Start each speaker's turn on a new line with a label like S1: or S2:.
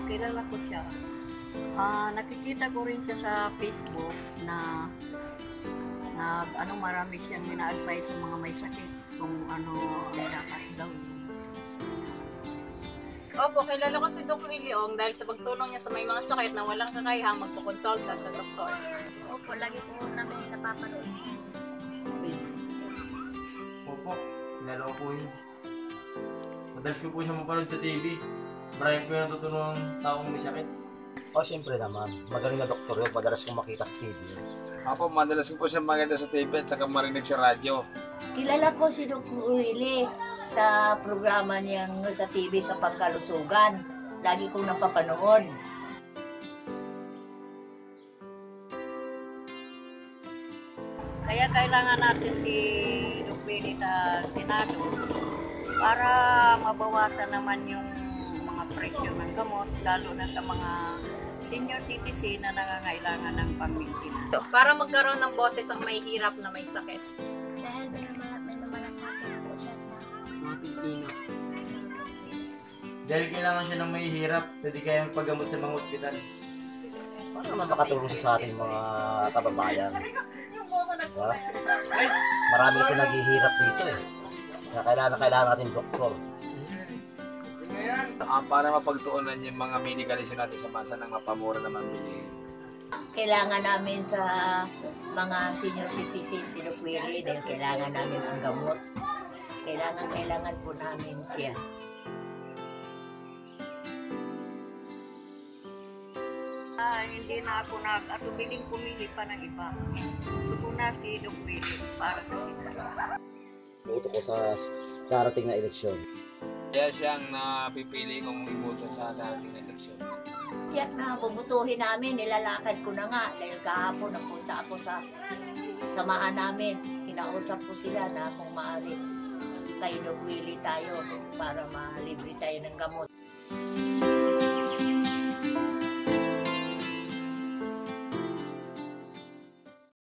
S1: kilala ko siya. Nakikita ko rin siya sa Facebook na marami siyang ina-advise sa mga may sakit kung ano ang dapat gawin.
S2: Opo, kilala ko si Doc Williong dahil sa pagtulong niya sa may mga sakit na walang kakayahang magpakonsulta sa doktor.
S3: Opo, lagi po namin napapanood sa
S4: Opo, kilala ko po yun. Madalas ko po siya mapanood sa TV. Marami po yung natutunong taong may sakit.
S5: Siyempre naman. Magaling na doktor yun. Madalas kong makita sa TV yun.
S6: Apo, madalas ko po siya maganda sa TV at saka marinig sa radyo.
S7: Kilala ko si Doc Willie sa programa niyang sa TV sa pagkalusugan. Lagi kong napapanood.
S1: Kaya kailangan natin si Doc Willie sa Senado para mabawasan naman yung mga presyo ng gamot, lalo na sa mga senior citizen na nangangailangan ng pang-maintenance.
S2: Para magkaroon ng boses ang may hirap na may sakit.
S3: dahil may namalasakit po siya sa
S8: mga Pilipino.
S4: Dahil kailangan siya ng may hirap, pwede kayang paggamot sa mga ospital.
S5: Paano naman makatulong siya sa ating mga kababayan? Diba? Marami kasi naghihirap dito eh. Kaya kailangan natin doktor.
S6: Para mapagtuunan yung mga medical issue natin sa bansa ng mapamura naman bilhin.
S7: Kailangan namin sa mga senior citizen si Doc Willie dahil kailangan namin ang gamot. Kailangan po namin siya.
S1: Hindi na ako nag-atubiling pumili pa ng iba. Gusto na si Doc Willie para kasi
S5: Buto ko sa darating na eleksyon.
S6: Kaya siyang napipili kong iboto sa dating eleksyon.
S7: Tiyak na bubutuhin namin, nilalakad ko na nga dahil kahapon napunta ako sa samahan namin. Kinausap ko sila na kung maaari kay Doc Willie tayo para malibre tayo ng gamot.